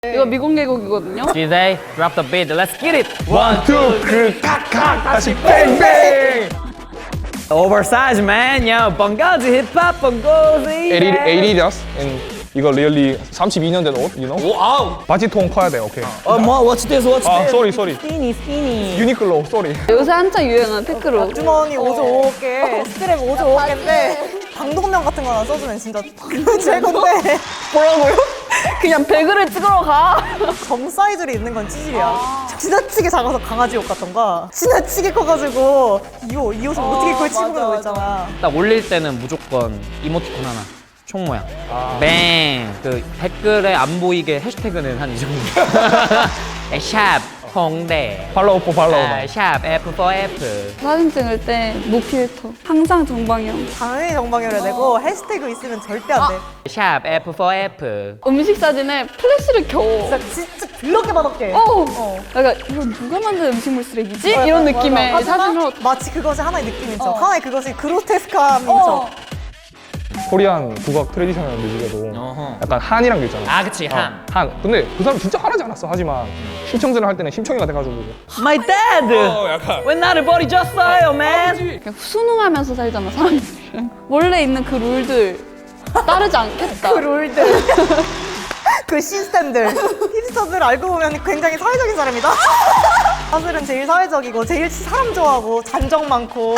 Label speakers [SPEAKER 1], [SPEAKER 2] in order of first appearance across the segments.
[SPEAKER 1] 이거 미공개곡이거든요.
[SPEAKER 2] DJ, drop the beat, let's get it!
[SPEAKER 3] One, two, 칵칵 다시 뱅뱅.
[SPEAKER 2] Oversize man, yo, 번거지 힙합 번거지.
[SPEAKER 3] Adidas and 이거 really 32년 된 옷, you know?
[SPEAKER 2] 와우.
[SPEAKER 3] 바지 통 커야 돼, 오케이.
[SPEAKER 2] 뭐, what's this, what's
[SPEAKER 3] 아,
[SPEAKER 2] this?
[SPEAKER 3] sorry.
[SPEAKER 2] Skinny.
[SPEAKER 3] 유니클로, sorry.
[SPEAKER 1] 요새 한창 유행하는 테크로.
[SPEAKER 4] 주머니 5조 5개, 스트랩 5조 5개인데 방독면 같은 거나 써주면 진짜 최고인데
[SPEAKER 1] 뭐라고요? 그냥 배그를 찍으러 가.
[SPEAKER 4] 점 사이즈로 입는 건 찌질이야. 지나치게 작아서 강아지 옷 같던가 지나치게 커가지고 이 옷을 어떻게 그걸 치고 그런 거 있잖아.
[SPEAKER 2] 딱 올릴 때는 무조건 이모티콘 하나. 총 모양. 뱅. 그 댓글에 안 보이게 해시태그는 한 이 정도. 샵 홍대.
[SPEAKER 3] 팔로우 포 팔로우.
[SPEAKER 2] 샵 F4F.
[SPEAKER 1] 사진 찍을 때 무필터. 항상 정방형.
[SPEAKER 4] 당연히 정방열을 내고 해시태그 있으면 절대 안 돼.
[SPEAKER 2] 샵 F4F.
[SPEAKER 1] 음식 사진에 플래시를 켜.
[SPEAKER 4] 진짜 더럽게 맛없게.
[SPEAKER 1] 약간 이거 누가 만든 음식물 쓰레기지? 이런 느낌의
[SPEAKER 4] 하지만
[SPEAKER 1] 사진으로.
[SPEAKER 4] 마치 그것이 하나의 느낌인 척. 하나의 그것이 그로테스크함인 척.
[SPEAKER 3] 코리안 국악 트레디셔널 뮤직에도
[SPEAKER 2] 어허.
[SPEAKER 3] 약간 한이란 게 있잖아.
[SPEAKER 2] 아, 그치, 한.
[SPEAKER 3] 한. 근데 그 사람 진짜 하지 않았어. 하지만 심청전을 할 때는 심청이가 돼가지고.
[SPEAKER 2] My dad!
[SPEAKER 3] 약간.
[SPEAKER 2] 왜 나를 버리셨어요, man?
[SPEAKER 1] 그냥 순응하면서 살잖아, 사람들은. 원래 있는 그 룰들 따르지 않겠다.
[SPEAKER 4] 그 룰들. 그 시스템들. 힙스터들 알고 보면 굉장히 사회적인 사람이다. 사실은 제일 사회적이고 제일 사람 좋아하고 잔정 많고.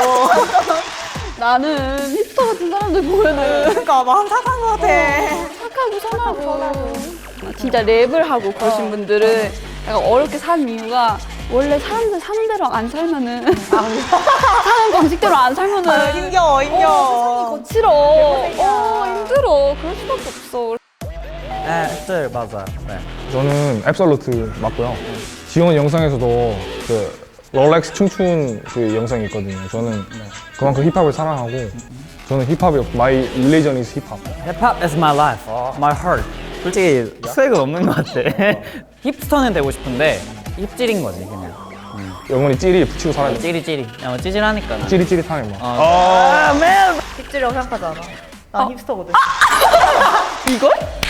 [SPEAKER 1] 나는 힙스터 같은 사람들 보면은
[SPEAKER 4] 그러니까 마음 착한 것 같아.
[SPEAKER 1] 착하고 선하고. 진짜 랩을 하고 그러신 분들은 약간 어렵게 산 이유가 원래 사람들 사는 대로 안 살면은 사는 방식대로 안 살면은
[SPEAKER 4] 힘겨워.
[SPEAKER 1] 싫어. 힘들어. 그럴 수밖에 없어.
[SPEAKER 2] 네, 맞아요. 네.
[SPEAKER 3] 저는 앱솔루트 맞고요. 지원 영상에서도 그 롤렉스 춤춘 그 영상이 있거든요. 저는 그만큼 힙합을 사랑하고 저는 힙합이 my religion is 힙합.
[SPEAKER 2] 힙합 is my life, my heart. 솔직히 수액은 없는 것 같아. 힙스터는 되고 싶은데 힙질인 거지 그냥.
[SPEAKER 3] 영원히 찌리 붙이고 살아야 돼.
[SPEAKER 2] 찌리찌리. 찌질하니까.
[SPEAKER 3] 찌릿찌릿하네 뭐.
[SPEAKER 2] 아, man.
[SPEAKER 4] 힙질이라고 생각하지 않아. 난 힙스터거든.
[SPEAKER 1] 이걸?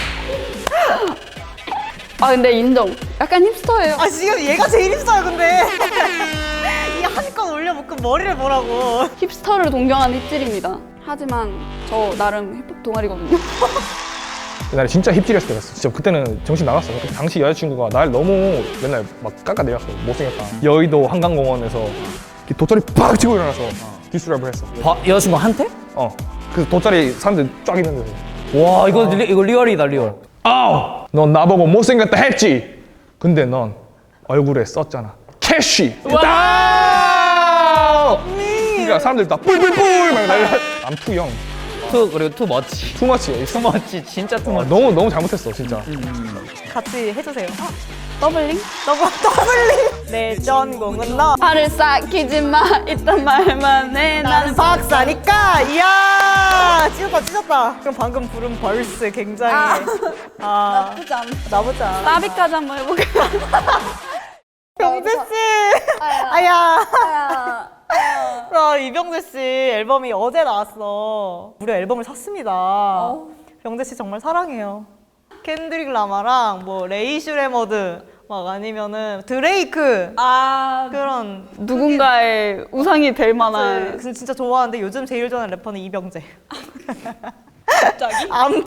[SPEAKER 1] 근데 인정. 약간 힙스터예요.
[SPEAKER 4] 지금 얘가 제일 힙스터야 근데. 이 한껏 올려묶은 머리를 보라고.
[SPEAKER 1] 힙스터를 동경하는 힙질입니다. 하지만 저 나름 힙합 동아리거든요.
[SPEAKER 3] 옛날에 진짜 힙질했을 때가 있어. 진짜 그때는 정신 나갔어. 그때 당시 여자친구가 날 너무 맨날 막 깎아내렸어. 못생겼다. 여의도 한강공원에서 이렇게 돗자리 팍 치고 일어나서 디스랩을 했어.
[SPEAKER 2] 여자친구한테?
[SPEAKER 3] 그 돗자리 사람들 쫙 있는데
[SPEAKER 2] 와, 이거 리얼이다, 리얼.
[SPEAKER 3] 아우! 넌 나보고 못생겼다 했지? 근데 넌 얼굴에 썼잖아. 캐시! 와우! 그러니까 사람들 다 뿔뿔뿔 막 난리 암투형.
[SPEAKER 2] 그리고 투 멋지.
[SPEAKER 3] 투머치.
[SPEAKER 2] 투 멋지, 진짜 투 멋지.
[SPEAKER 3] 너무 잘못했어 진짜.
[SPEAKER 4] 같이 해주세요.
[SPEAKER 1] 더블링?
[SPEAKER 4] 더블링. 내 전공은 너.
[SPEAKER 1] 팔을 싹히지 마. 이딴 말만 해. 나는
[SPEAKER 4] 박사니까. 이야. 찢었다. 그럼 방금 부른 벌스 굉장히.
[SPEAKER 1] 나쁘지 않아.
[SPEAKER 4] 나쁘지 않아.
[SPEAKER 1] 나비까지 한번 해볼게요.
[SPEAKER 4] 병재 씨. 아야. 이병재 씨 앨범이 어제 나왔어. 무려 앨범을 샀습니다. 병재 씨 정말 사랑해요. 켄드릭 라마랑 뭐 레이 슈레머드 막 아니면은 드레이크 그런
[SPEAKER 1] 누군가의 우상이 될 만한.
[SPEAKER 4] 진짜 좋아하는데 요즘 제일 좋아하는 래퍼는 이병재.
[SPEAKER 1] 갑자기?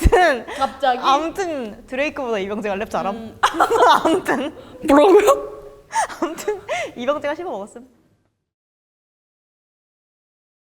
[SPEAKER 4] 아무튼 드레이크보다 이병재가 랩 잘함. 아무튼
[SPEAKER 1] 뭐라고요?
[SPEAKER 4] 이병재가 씹어 먹었음.